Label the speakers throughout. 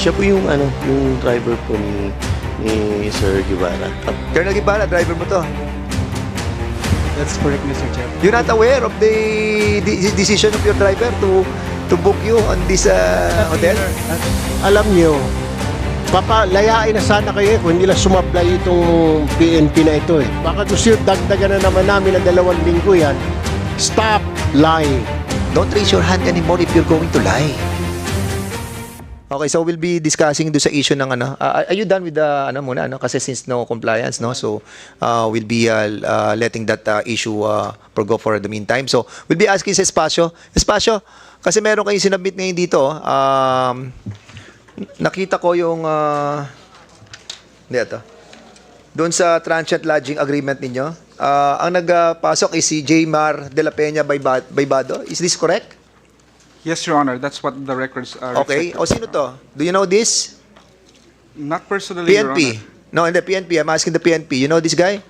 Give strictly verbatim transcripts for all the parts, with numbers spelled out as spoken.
Speaker 1: Siya po yung ano, yung driver po ni ni Sir Guevara.
Speaker 2: Colonel Guevara, driver mo to.
Speaker 3: That's correct, Mister Chair.
Speaker 2: You're not aware of the, the decision of your driver to to book you on this uh, hotel?
Speaker 4: Alam nyo, papalayain na sana kayo kung hindi lang sumablay itong P N P na ito eh. Baka gusto yun, dagdagan na naman namin ng dalawang linggo yan. Stop lying.
Speaker 2: Don't raise your hand anymore if you're going to lie. Okay, so we'll be discussing do sa issue ng ano. Uh, are you done with the ano muna ano kasi since no compliance no. So uh, we'll be uh, uh, letting that uh, issue uh, go for the meantime. So we'll be asking sa Espacio. Espacio, kasi meron kayong sinabit ngayon dito. Um, nakita ko yung uh, hindi ito. Doon sa transient lodging agreement ninyo. Uh, ang nagpasok is si J. Mar de la Peña Baybado. Is this correct?
Speaker 3: Yes, Your Honor. That's what the records are.
Speaker 2: Okay. O sino to? Do you know this?
Speaker 3: Not personally,
Speaker 2: P N
Speaker 3: Your
Speaker 2: P.
Speaker 3: Honor.
Speaker 2: No, hindi P N P. I'm asking the P N P. You know this guy?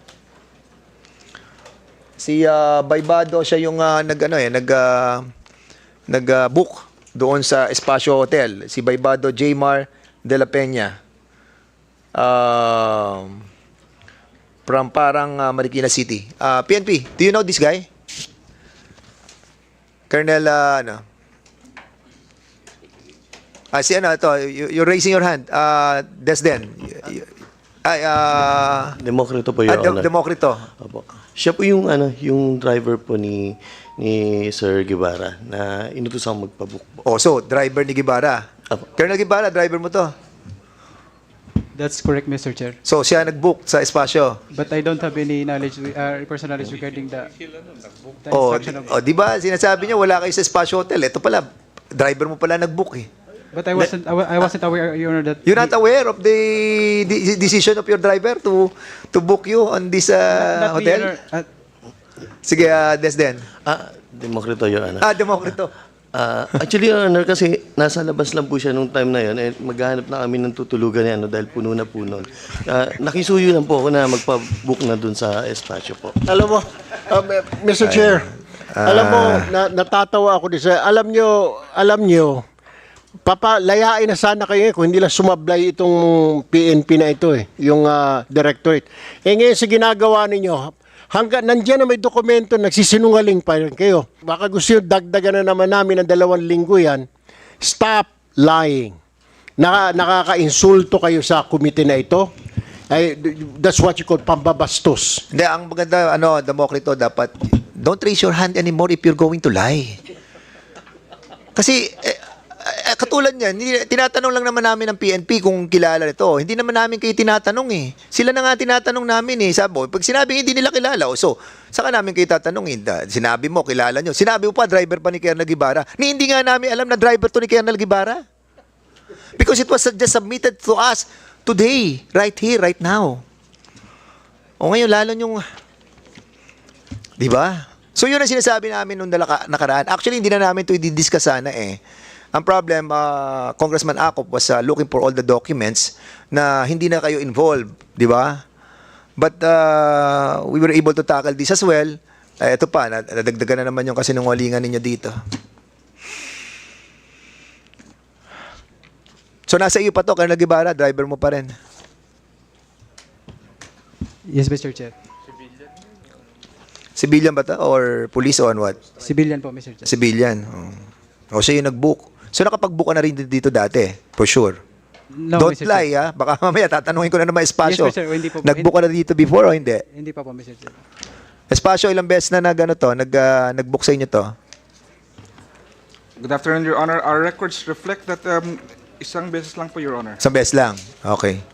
Speaker 2: Si uh, Baybado, siya yung uh, nag ano eh, nag uh, nag uh, book doon sa Espacio Hotel. Si Baybado J. Mar de la Peña. Um, from parang uh, Marikina City. Uh, P N P, do you know this guy? Colonel, uh, ano? Ah, si ano, ito, you- you're raising your hand. Uh, Desden. Y- y- Ay, uh,
Speaker 1: Demokrito po, Your
Speaker 2: ah, Dem-
Speaker 1: Honor.
Speaker 2: Demokrito.
Speaker 1: Opo. Siya po yung ano, yung driver po ni ni Sir Guevara na inutusan magpabook po.
Speaker 2: Oh, so, driver ni Guevara.
Speaker 1: Apo.
Speaker 2: Colonel Guevara, driver mo to.
Speaker 3: That's correct, Mister Chair.
Speaker 2: So, siya nag-book sa Espacio.
Speaker 3: But I don't have any knowledge, uh, personal knowledge regarding the, the
Speaker 2: Oh,
Speaker 3: instruction of...
Speaker 2: oh, di ba? Sinasabi niya, wala kayo sa Espacio Hotel. Ito pala, driver mo pala nag-book eh.
Speaker 3: But I wasn't, I wa- I wasn't aware, Your Honor, that...
Speaker 2: You're not aware of the, the decision of your driver to to book you on this uh,
Speaker 3: Not me,
Speaker 2: hotel?
Speaker 3: Your Honor. Uh,
Speaker 2: Sige, uh, Desden.
Speaker 1: Ah, Demokrito, Your Honor.
Speaker 2: Ah, Demokrito.
Speaker 1: Ah, actually, Your Honor, kasi nasa labas lang po siya nung time na yun. Eh, maghahanap na kami ng tutulugan niya ano, dahil puno na puno. Ah, nakisuyo lang po ako na magpa-book na dun sa espasyo po.
Speaker 4: Alam mo, um, Mister Chair, alam mo, na, natatawa ako din sa, alam nyo, alam nyo, papalayain na sana kayo kung hindi lang sumablay itong P N P na ito eh, yung uh, directorate. Eh ngayon sa ginagawa ninyo, hanggang nandiyan na may dokumento, nagsisinungaling pa rin kayo. Baka gusto nyo dagdagan na naman namin ng dalawang linggo yan. Stop lying. Naka, nakaka-insulto kayo sa komite na ito. Ay, that's what you call pambabastos.
Speaker 2: Hindi, ang maganda, ano, Demokrito, dapat, don't raise your hand anymore if you're going to lie. Kasi, eh, eh, katulad niyan, hindi- tinatanong lang naman namin ng P N P kung kilala nito. Hindi naman namin kayo tinatanong eh. Sila na nga tinatanong namin eh. Sabi mo, pag sinabi hindi nila kilala, o so, saka namin kayo tatanungin. Da- Sinabi mo, kilala nyo. Sinabi mo pa, driver pa ni Colonel Guevara. Ni hindi nga namin alam na driver to ni Colonel Guevara. Because it was just submitted to us today, right here, right now. O ngayon, lalo yung... Di ba? So yun ang sinasabi namin nung nalaka- nakaraan. Actually, hindi na namin ito i-discuss sana eh. Ang problem, uh, Congressman Acop was uh, looking for all the documents na hindi na kayo involved, di ba? But uh, we were able to tackle this as well. Eh, ito pa, nadagdagan na naman yung kasinungalingan ninyo dito. So nasa iyo pa to, Colonel Guevara, driver mo pa rin.
Speaker 3: yes, Mister Chair.
Speaker 2: Civilian ba to? Or police or what?
Speaker 3: Civilian po, Mister Chair.
Speaker 2: Civilian. Oh. O siya yung nag-book. So nakapag-book ka na rin dito dati, for sure.
Speaker 3: No,
Speaker 2: Don't
Speaker 3: Mister
Speaker 2: lie,
Speaker 3: Chair.
Speaker 2: ha? Baka mamaya tatanungin ko na naman espasyo.
Speaker 3: Yes, Mister Hindi po po.
Speaker 2: Nag-book ka na dito before o hindi?
Speaker 3: Hindi pa po, Mister Chair.
Speaker 2: Espasyo, ilang beses na nag, ano to, nag, ah, nag-book sa inyo to?
Speaker 5: Good afternoon, Your Honor. Our records reflect that um, isang beses lang po, Your Honor.
Speaker 2: Isang beses lang. Okay.